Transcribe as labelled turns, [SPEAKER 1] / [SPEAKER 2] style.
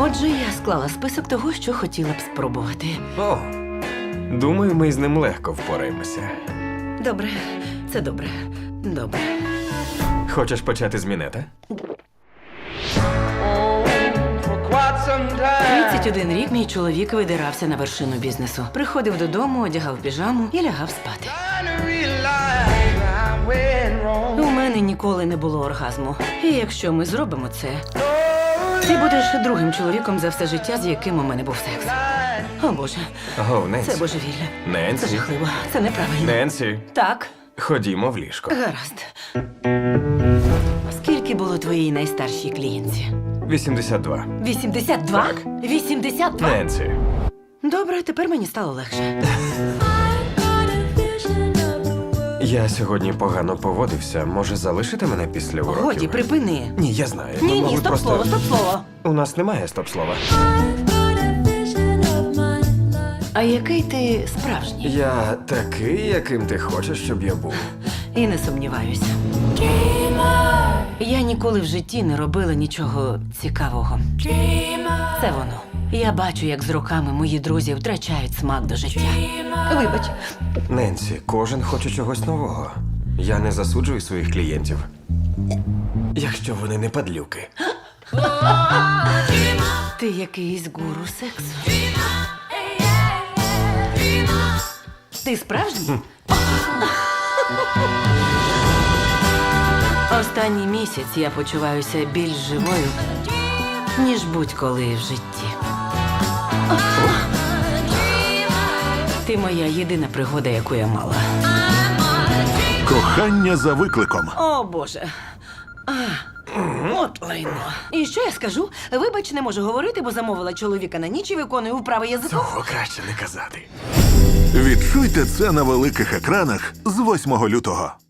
[SPEAKER 1] Отже, я склала список того, що хотіла б спробувати.
[SPEAKER 2] О, думаю, ми з ним легко впораємося.
[SPEAKER 1] Добре, це добре. Добре.
[SPEAKER 2] Хочеш почати з мінета?
[SPEAKER 1] 31 рік мій чоловік видирався на вершину бізнесу. Приходив додому, одягав піжаму і лягав спати. У мене ніколи не було оргазму. І якщо ми зробимо це, ти будеш другим чоловіком за все життя, з яким у мене був секс. О, Боже,
[SPEAKER 2] О, Ненсі.
[SPEAKER 1] це божевілля. Це
[SPEAKER 2] Ненсі.
[SPEAKER 1] жахливо. Це неправильно.
[SPEAKER 2] Ненсі,
[SPEAKER 1] Так,
[SPEAKER 2] ходімо в ліжко.
[SPEAKER 1] гаразд. Скільки було твоїй найстаршій клієнтці?
[SPEAKER 2] 82.
[SPEAKER 1] 82?
[SPEAKER 2] Так.
[SPEAKER 1] 82?
[SPEAKER 2] Ненсі.
[SPEAKER 1] Добре, тепер мені стало легше.
[SPEAKER 2] Я сьогодні погано поводився. Може, залишити мене після уроків?
[SPEAKER 1] Годі, припини.
[SPEAKER 2] Ні, я знаю.
[SPEAKER 1] Ні,
[SPEAKER 2] Ми
[SPEAKER 1] ні,
[SPEAKER 2] могли
[SPEAKER 1] стоп
[SPEAKER 2] просто...
[SPEAKER 1] слово, стоп слово.
[SPEAKER 2] У нас немає стоп-слова.
[SPEAKER 1] А який ти справжній?
[SPEAKER 2] Я такий, яким ти хочеш, щоб я був.
[SPEAKER 1] І не сумніваюся. Я ніколи в житті не робила нічого цікавого. Це воно. Я бачу, як з роками мої друзі втрачають смак до життя. Вибач.
[SPEAKER 2] Ненсі, кожен хоче чогось нового. Я не засуджую своїх клієнтів. Якщо вони не падлюки.
[SPEAKER 1] Ти якийсь гуру сексу. Ти справжній? Останній місяць я почуваюся більш живою, ніж будь-коли в житті. Ти моя єдина пригода, яку я мала.
[SPEAKER 3] Кохання за викликом.
[SPEAKER 1] О, Боже. От лайно. І що я скажу? Вибач, не можу говорити, бо замовила чоловіка на ніч і виконую вправи язиком.
[SPEAKER 2] Цього краще не казати.
[SPEAKER 3] Відчуйте це на великих екранах з 8 лютого.